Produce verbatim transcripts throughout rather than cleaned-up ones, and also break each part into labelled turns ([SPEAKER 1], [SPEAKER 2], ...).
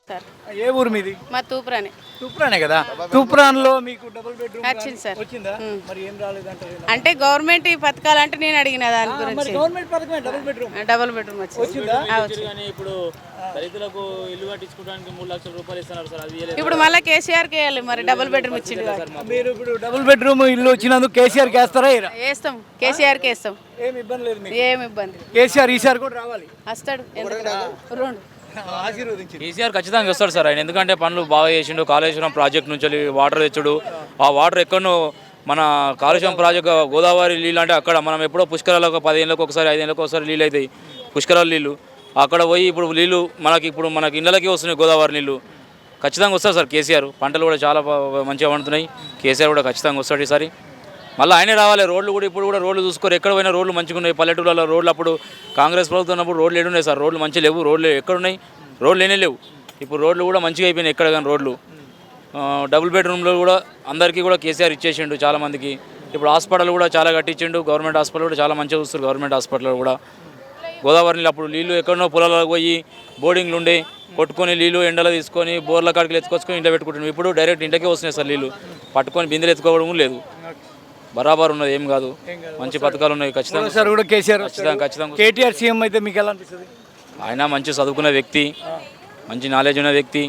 [SPEAKER 1] Sir
[SPEAKER 2] ఏ ఊరు మీది?
[SPEAKER 1] మా తూప్రానే.
[SPEAKER 2] తూప్రానే కదా. తూప్రాన్లో మీకు డబుల్ బెడ్రూమ్
[SPEAKER 1] వచ్చింది సార్.
[SPEAKER 2] వచ్చిందా? మరి ఏం రాలేదంటారు?
[SPEAKER 1] అంటే గవర్నమెంట్ ఈ పథకాలు అంటే నేను అడిగిన దాని
[SPEAKER 2] మరి
[SPEAKER 1] గురించి.
[SPEAKER 2] గవర్నమెంట్ పథకమే డబుల్ బెడ్రూమ్.
[SPEAKER 1] డబుల్ బెడ్రూమ్ వచ్చింది.
[SPEAKER 2] వచ్చిందా?
[SPEAKER 1] ఆ, వచ్చింది.
[SPEAKER 3] కానీ ఇప్పుడు దళితులకు ఇల్లు కట్టించుకోవడానికి మూడు లక్షల రూపాయలు ఇస్తున్నారు సార్. అది ఇయ్యలేదు.
[SPEAKER 1] ఇప్పుడు మళ్ళీ కేసీఆర్ కి వేయాలి మరి డబుల్ బెడ్రూమ్ ఇచ్చింది కాబట్టి.
[SPEAKER 2] మీరు ఇప్పుడు డబుల్ బెడ్రూమ్ ఇల్లు వచ్చినందుకు కేసీఆర్ వేస్తారా? ఇరా
[SPEAKER 1] వేస్తాం, కేసీఆర్ కి వేస్తాం.
[SPEAKER 2] ఏం ఇబ్బంది లేదు మీకు.
[SPEAKER 1] ఏం ఇబ్బంది.
[SPEAKER 2] కేసీఆర్ ఈసారి కూడా రావాలి.
[SPEAKER 1] వస్తాడు. ఎందుకు రెండు
[SPEAKER 2] ఆశీర్వదించి
[SPEAKER 3] కేసీఆర్ ఖచ్చితంగా వస్తాడు సార్ ఆయన. ఎందుకంటే పనులు బాగా చేసిండు. కాళేశ్వరం ప్రాజెక్ట్ నుంచి వాటర్ తెచ్చుడు, ఆ వాటర్ ఎక్కడో మన కాళేశ్వరం ప్రాజెక్ట్ గోదావరి నీళ్ళు అంటే అక్కడ మనం ఎప్పుడో పుష్కరాలకు పదిహేనులకు ఒకసారి ఐదేళ్ళకి ఒకసారి నీళ్ళు అవుతాయి పుష్కరాల నీళ్ళు. అక్కడ పోయి ఇప్పుడు నీళ్ళు మనకి ఇప్పుడు మనకి ఇళ్ళకి వస్తున్నాయి గోదావరి నీళ్ళు. ఖచ్చితంగా వస్తారు సార్ కేసీఆర్. పంటలు కూడా చాలా మంచిగా పండుతున్నాయి. కేసీఆర్ కూడా ఖచ్చితంగా వస్తాడు ఈసారి. మళ్ళీ ఆయనే రావాలి. రోడ్లు కూడా ఇప్పుడు కూడా రోడ్లు చూసుకోరు. ఎక్కడ పోయినా రోడ్లు మంచిగా ఉన్నాయి. పల్లెటూళ్ళలో రోడ్లు అప్పుడు కాంగ్రెస్ ప్రభుత్వం ఉన్నప్పుడు రోడ్లు ఏడున్నాయి సార్. రోడ్లు మంచిగా లేవు. రోడ్లు ఎక్కడున్నాయి? రోడ్లు ఏనే లేవు. ఇప్పుడు రోడ్లు కూడా మంచిగా అయిపోయినాయి ఎక్కడ కానీ రోడ్లు. డబుల్ బెడ్రూమ్లో కూడా అందరికీ కూడా కేసీఆర్ ఇచ్చేసిండు చాలామందికి. ఇప్పుడు హాస్పిటల్ కూడా చాలా కట్టించిండు. గవర్నమెంట్ హాస్పిటల్ కూడా చాలా మంచిగా చూస్తారు. గవర్నమెంట్ హాస్పిటల్ కూడా గోదావరి నీళ్ళు అప్పుడు నీళ్ళు ఎక్కడో పొలాలకు పోయి బోర్డింగ్లు ఉండే కొట్టుకొని నీళ్ళు ఎండలో తీసుకొని బోర్ల కాడికి ఎత్తుకొచ్చుకొని ఇంట్లో పెట్టుకుంటున్నాం. ఇప్పుడు డైరెక్ట్ ఇంటికే వస్తున్నాయి సార్ నీళ్ళు. పట్టుకొని బిందెలు ఎత్తుకోవడం లేదు. బరాబర్ ఉన్నది, ఏం కాదు. మంచి పథకాలు ఉన్నాయి. ఖచ్చితంగా
[SPEAKER 2] సార్ కూడా కేసీఆర్
[SPEAKER 3] ఖచ్చితంగా ఖచ్చితంగా
[SPEAKER 2] కేటీఆర్ సీఎం అయితే మీకు ఎలా అనిపిస్తుంది?
[SPEAKER 3] ఆయన మంచి చదువుకున్న వ్యక్తి, మంచి నాలెడ్జ్ ఉన్న వ్యక్తి.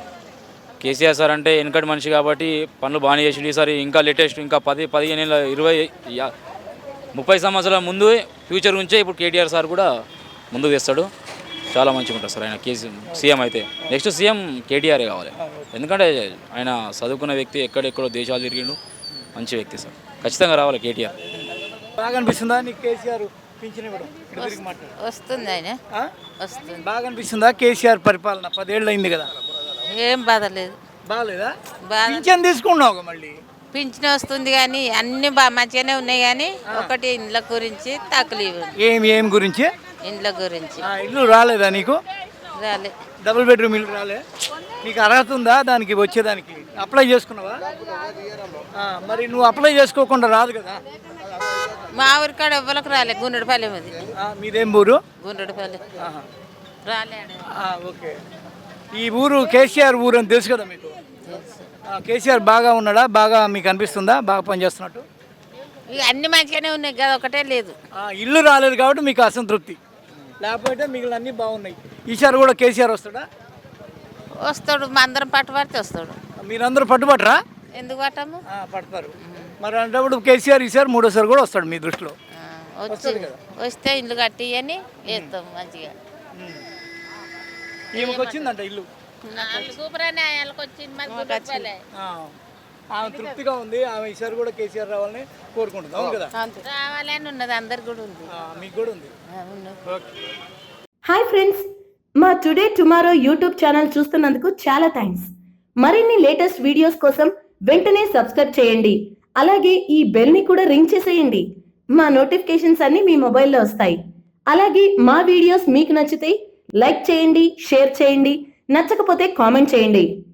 [SPEAKER 3] కేసీఆర్ సార్ అంటే వెనకటి మనిషి కాబట్టి పనులు బాగానే చేసిండు. ఈసారి ఇంకా లేటెస్ట్ ఇంకా పది పదిహేను ఏళ్ళ ఇరవై ముప్పై సంవత్సరాల ముందు ఫ్యూచర్ నుంచే ఇప్పుడు కేటీఆర్ సార్ కూడా ముందుకు తెస్తాడు. చాలా మంచిగా ఉంటుంది సార్ ఆయన కేసీ సీఎం అయితే. నెక్స్ట్ సీఎం కేటీఆరే కావాలి. ఎందుకంటే ఆయన చదువుకున్న వ్యక్తి, ఎక్కడెక్కడో దేశాలు తిరిగిండు. మంచి వ్యక్తి సార్. ఖచ్చితంగా రావాలి కేటీఆర్.
[SPEAKER 2] బాగా అనిపిస్తుందా నీకు కేసీఆర్ పింఛన్ ఇవ్వడం?
[SPEAKER 4] వస్తుంది ఆయన వస్తుంది.
[SPEAKER 2] బాగా అనిపిస్తుందా కేసీఆర్ పరిపాలన? పదేళ్ళు అయింది కదా.
[SPEAKER 4] ఏం బాధ లేదు.
[SPEAKER 2] బాగాలేదా?
[SPEAKER 4] బాధ
[SPEAKER 2] పింఛన్ తీసుకున్నావు మళ్ళీ.
[SPEAKER 4] పింఛన్ వస్తుంది కానీ అన్ని బాగా మంచిగానే ఉన్నాయి కానీ ఒకటి ఇండ్ల గురించి తక్కువ.
[SPEAKER 2] ఏం ఏం గురించి?
[SPEAKER 4] ఇండ్ల గురించి.
[SPEAKER 2] ఇల్లు రాలేదా నీకు?
[SPEAKER 4] రాలే.
[SPEAKER 2] డబుల్ బెడ్రూమ్ ఇల్లు రాలే. నీకు అర్హత ఉందా దానికి వచ్చేదానికి? అప్లై చేసుకున్నావా? మరి నువ్వు అప్లై చేసుకోకుండా రాదు కదా.
[SPEAKER 4] మా ఊరి కాడ ఎవ్వరికి రాలే. గుండ్రపల్లి అది.
[SPEAKER 2] మీదేం ఊరు?
[SPEAKER 4] గుండ్రపల్లి రాలే.
[SPEAKER 2] ఓకే. ఈ ఊరు కేసీఆర్ ఊరు అని తెలుసు కదా మీకు. కేసీఆర్ బాగా ఉన్నాడా? బాగా మీకు అనిపిస్తుందా బాగా పనిచేస్తున్నట్టు?
[SPEAKER 4] ఇక అన్ని మంచిగానే ఉన్నాయి కదా, ఒకటే లేదు.
[SPEAKER 2] ఇల్లు రాలేదు కాబట్టి మీకు అసంతృప్తి. లేకపోతే మిగిలిన అన్నీ బాగున్నాయి. ఈసారి కూడా కేసీఆర్ వస్తాడా?
[SPEAKER 4] వస్తాడు. మా అందరం పట్టుబడితే వస్తాడు.
[SPEAKER 2] మీరందరూ పట్టుబట్టరా?
[SPEAKER 4] ఎందుకు పట్టము?
[SPEAKER 2] పడతారు. మరి అంటే కేసీఆర్ ఈసారి మూడోసారి కూడా వస్తాడు మీ దృష్టిలో?
[SPEAKER 4] వచ్చి వస్తే ఇల్లు కట్టి అని వేస్తాం మంచిగా.
[SPEAKER 2] ఈమెకు వచ్చిందంట ఇల్లు. ఆమె తృప్తిగా ఉంది. ఆమె ఈసారి కూడా కేసీఆర్ రావాలని కోరుకుంటుంది. అవును కదా?
[SPEAKER 4] రావాలని ఉన్నది. అందరికి కూడా ఉంది.
[SPEAKER 2] మీకు కూడా ఉంది.
[SPEAKER 5] హాయ్ ఫ్రెండ్స్, మా టుడే టుమారో యూట్యూబ్ ఛానల్ చూస్తున్నందుకు చాలా థ్యాంక్స్. మరిన్ని లేటెస్ట్ వీడియోస్ కోసం వెంటనే సబ్స్క్రైబ్ చేయండి. అలాగే ఈ బెల్ ని కూడా రింగ్ చేసేయండి. మా నోటిఫికేషన్స్ అన్ని మీ మొబైల్లో వస్తాయి. అలాగే మా వీడియోస్ మీకు నచ్చితే లైక్ చేయండి, షేర్ చేయండి, నచ్చకపోతే కామెంట్ చేయండి.